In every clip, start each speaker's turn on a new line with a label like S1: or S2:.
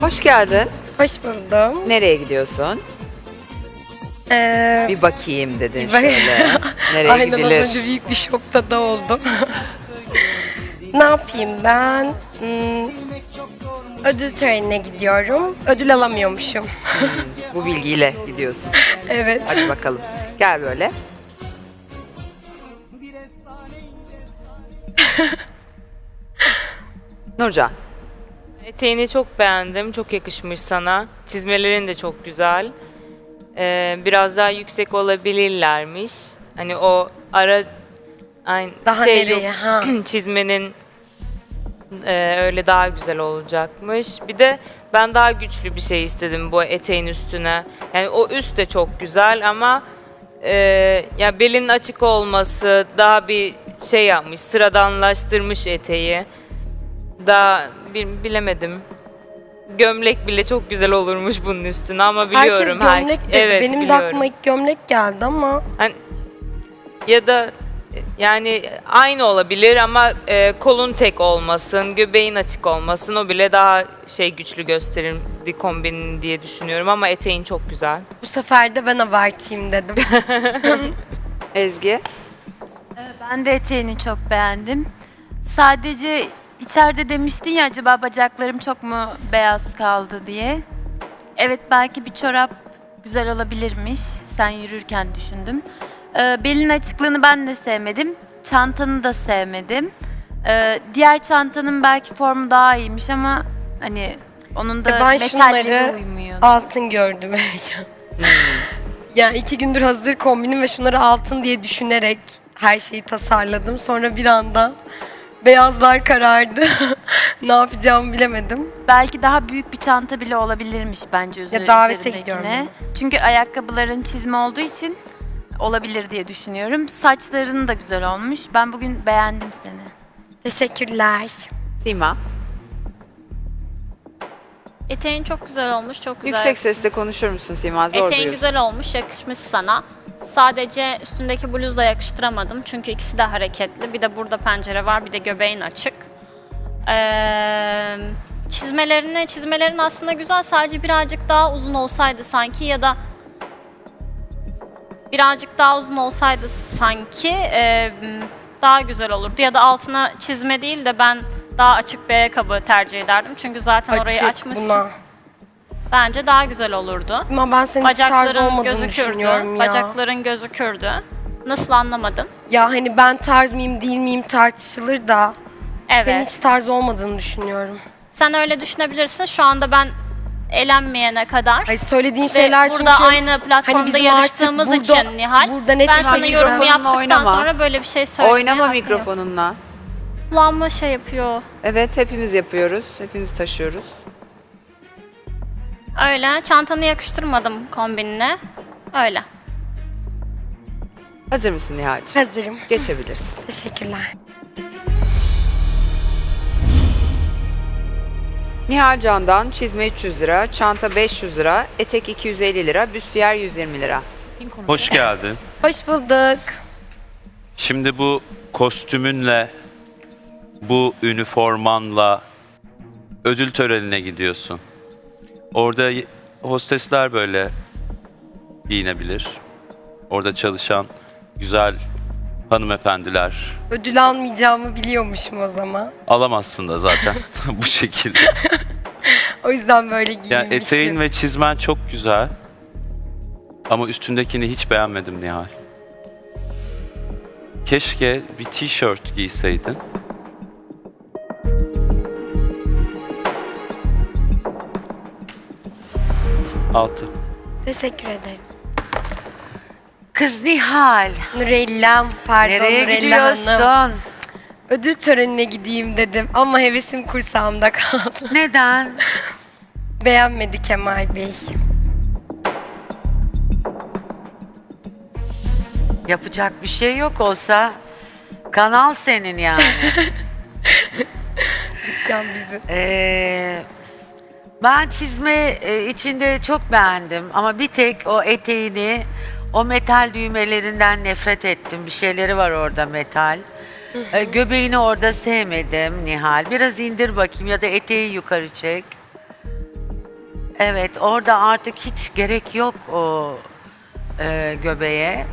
S1: Hoş geldin.
S2: Hoş buldum.
S1: Nereye gidiyorsun? Bir bakayım dedin
S2: bak-
S1: şöyle. Nereye
S2: Aynen
S1: gidilir?
S2: az önce büyük bir şokta da oldum. Ne yapayım ben? Ödül törenine gidiyorum. Ödül alamıyormuşum.
S1: Bu bilgiyle gidiyorsun.
S2: Evet.
S1: Hadi bakalım. Gel böyle. Nurcan.
S3: Eteğini çok beğendim. Çok yakışmış sana. Çizmelerin de çok güzel. Biraz daha yüksek olabilirlermiş. Hani o ara aynı
S2: Daha
S3: şey
S2: nereye?
S3: yok.
S2: Ha.
S3: Çizmenin öyle daha güzel olacakmış. Bir de ben daha güçlü bir şey istedim bu eteğin üstüne. Yani o üst de çok güzel ama ya belin açık olması daha bir şey yapmış, sıradanlaştırmış eteği. Daha bilemedim. Gömlek bile çok güzel olurmuş bunun üstüne ama biliyorum.
S2: Herkes gömlek dedi.
S3: Evet,
S2: Benim de
S3: biliyorum.
S2: aklıma ilk gömlek geldi ama
S3: Hani, ya da yani aynı olabilir ama kolun tek olmasın, göbeğin açık olmasın o bile daha şey güçlü gösterirdi kombinin diye düşünüyorum ama eteğin çok güzel.
S2: bu sefer de ben abartayım dedim.
S1: Ezgi.
S4: Ben de eteğini çok beğendim. Sadece içeride demiştin ya acaba bacaklarım çok mu beyaz kaldı diye. Evet belki bir çorap güzel olabilirmiş. Sen yürürken düşündüm. Belin açıklığını ben de sevmedim. Çantanı da sevmedim. Diğer çantanın belki formu daha iyiymiş ama hani onun da
S2: Ben
S4: metalleri
S2: şunları
S4: uymuyor.
S2: altın gördüm. Yani 2 gündür hazır kombinim ve şunları altın diye düşünerek her şeyi tasarladım. Sonra bir anda beyazlar karardı. Ne yapacağımı bilemedim.
S4: Belki daha büyük bir çanta bile olabilirmiş bence
S2: Ya davete
S4: üzerindekine.
S2: gidiyorum ben.
S4: Çünkü ayakkabıların çizme olduğu için olabilir diye düşünüyorum. Saçların da güzel olmuş. Ben bugün beğendim seni.
S2: Teşekkürler.
S1: Sima.
S5: Eteğin çok güzel olmuş, çok güzel
S1: Yüksek sesle
S5: yakışmış.
S1: konuşur musun Sima? Zor
S5: Eteğin
S1: duyuyorsun.
S5: güzel olmuş, yakışmış sana. Sadece üstündeki bluzla yakıştıramadım çünkü ikisi de hareketli. Bir de burada pencere var, bir de göbeğin açık. Çizmelerin aslında güzel, sadece birazcık daha uzun olsaydı sanki ya da birazcık daha uzun olsaydı sanki daha güzel olurdu. Ya da altına çizme değil de ben daha açık bir ayakkabı tercih ederdim. Çünkü zaten orayı
S2: Açık
S5: açmışsın.
S2: buna.
S5: Bence daha güzel olurdu.
S2: Ama ben senin hiç tarz
S5: Bacakların
S2: olmadığını düşünüyorum
S5: gözükürdü.
S2: ya.
S5: Bacakların gözükürdü. Nasıl anlamadım?
S2: Ya hani ben tarz mıyım değil miyim tartışılır da
S5: Evet.
S2: senin hiç tarz olmadığını düşünüyorum.
S5: Sen öyle düşünebilirsin. Şu anda ben elenmeyene kadar
S2: Ay söylediğin
S5: ve
S2: şeyler
S5: burada
S2: çünkü
S5: aynı platformda
S2: hani bizim
S5: yarıştığımız
S2: artık burada-
S5: için Nihal,
S2: burada net
S5: ben
S2: bir
S5: sana
S2: şekilde
S5: yorum
S1: mikrofonunla
S5: yaptıktan
S1: oynama.
S5: sonra böyle bir şey söylemeye
S1: Oynama
S5: haklıyım.
S1: mikrofonunla.
S5: Kulağıma şey yapıyor.
S1: Evet, hepimiz yapıyoruz. Hepimiz taşıyoruz.
S5: Öyle. Çantanı yakıştırmadım kombinine. Öyle.
S1: Hazır mısın Nihal'cığım?
S2: hazırım.
S1: Geçebilirsin.
S2: Teşekkürler.
S1: Nihal Can'dan çizme 300 lira, çanta 500 lira, etek 250 lira, büstiyer 120 lira.
S6: Hoş geldin.
S2: Hoş bulduk.
S6: Şimdi bu kostümünle, bu üniformanla ödül törenine gidiyorsun. Orada hostesler böyle giyinebilir. Orada çalışan güzel hanımefendiler.
S2: Ödül almayacağımı biliyormuşum o zaman.
S6: Alamazsın da zaten bu şekilde.
S2: O yüzden böyle giyinmişim.
S6: Yani eteğin ve çizmen çok güzel. Ama üstündekini hiç beğenmedim Nihal. Keşke bir tişört giyseydin. Altı.
S2: Teşekkür ederim.
S7: Kız Nihal,
S2: Nurellam, pardon
S7: nereye
S2: Nurella Hanım.
S7: gidiyorsun?
S2: Ödül törenine gideyim dedim ama hevesim kursağımda kaldı.
S7: Neden?
S2: Beğenmedi Kemal Bey.
S7: Yapacak bir şey yok olsa kanal senin yani.
S2: Can bizi.
S7: Ben çizme içinde çok beğendim ama bir tek o eteğini, o metal düğmelerinden nefret ettim. Bir şeyleri var orada metal. Göbeğini orada sevmedim Nihal. Biraz indir bakayım ya da eteği yukarı çek. Evet, orada artık hiç gerek yok o göbeğe.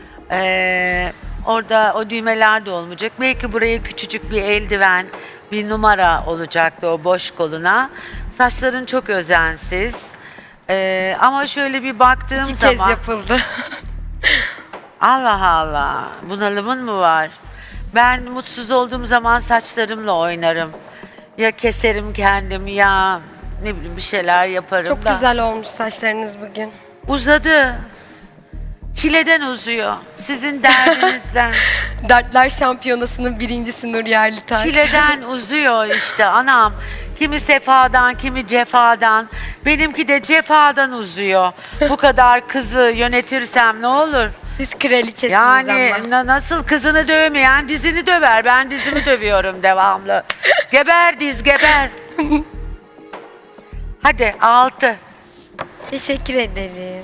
S7: Orada o düğmeler de olmayacak. Belki buraya küçücük bir eldiven, bir numara olacaktı o boş koluna. Saçların çok özensiz. Ama şöyle bir baktığım
S2: 2
S7: zaman...
S2: kez yapıldı.
S7: Allah Allah, bunalımın mı var? Ben mutsuz olduğum zaman saçlarımla oynarım. Ya keserim kendim ya ne bileyim bir şeyler yaparım
S2: Çok
S7: da.
S2: güzel olmuş saçlarınız bugün.
S7: Uzadı. Çileden uzuyor. Sizin derdinizden.
S2: Dertler Şampiyonası'nın birincisi Nur Yerlitaş.
S7: Çileden uzuyor işte anam. Kimi sefadan, kimi cefadan. Benimki de cefadan uzuyor. Bu kadar kızı yönetirsem ne olur?
S2: Siz kraliçesiniz
S7: Yani
S2: ama.
S7: nasıl kızını dövmeyen dizini döver. Ben dizimi dövüyorum devamlı. Geber diz geber. Hadi 6.
S2: Teşekkür ederim.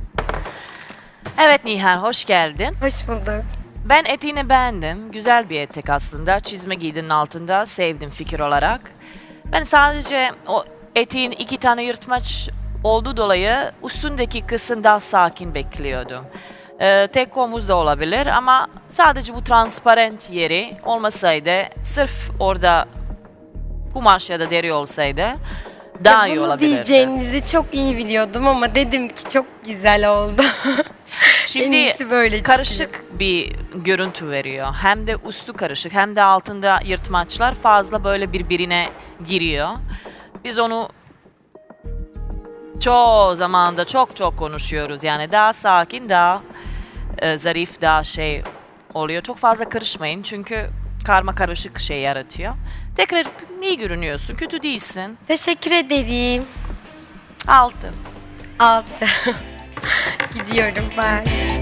S8: Evet Nihal, hoş geldin.
S2: Hoş bulduk.
S8: Ben eteğini beğendim. Güzel bir etek aslında. Çizme giydinin altında sevdim fikir olarak. Ben sadece o eteğin 2 tane yırtmaç olduğu dolayı üstündeki kısım daha sakin bekliyordum. Tek omuz da olabilir ama sadece bu transparent yeri olmasaydı, sırf orada kumaş ya da deri olsaydı daha iyi
S2: Bunu
S8: olabilirdi.
S2: diyeceğinizi çok iyi biliyordum ama dedim ki çok güzel oldu. En
S8: Şimdi
S2: iyisi böyle çıkıyor.
S8: karışık bir görüntü veriyor. Hem de üstü karışık hem de altında yırtmaçlar fazla böyle birbirine giriyor. Biz onu çoğu zamanda çok konuşuyoruz. Yani daha sakin, daha zarif, daha şey oluyor. Çok fazla karışmayın çünkü karma karışık şey yaratıyor. Tekrar iyi görünüyorsun, kötü değilsin.
S2: Teşekkür ederim.
S8: 6.
S2: 6. Gidiyorum ben.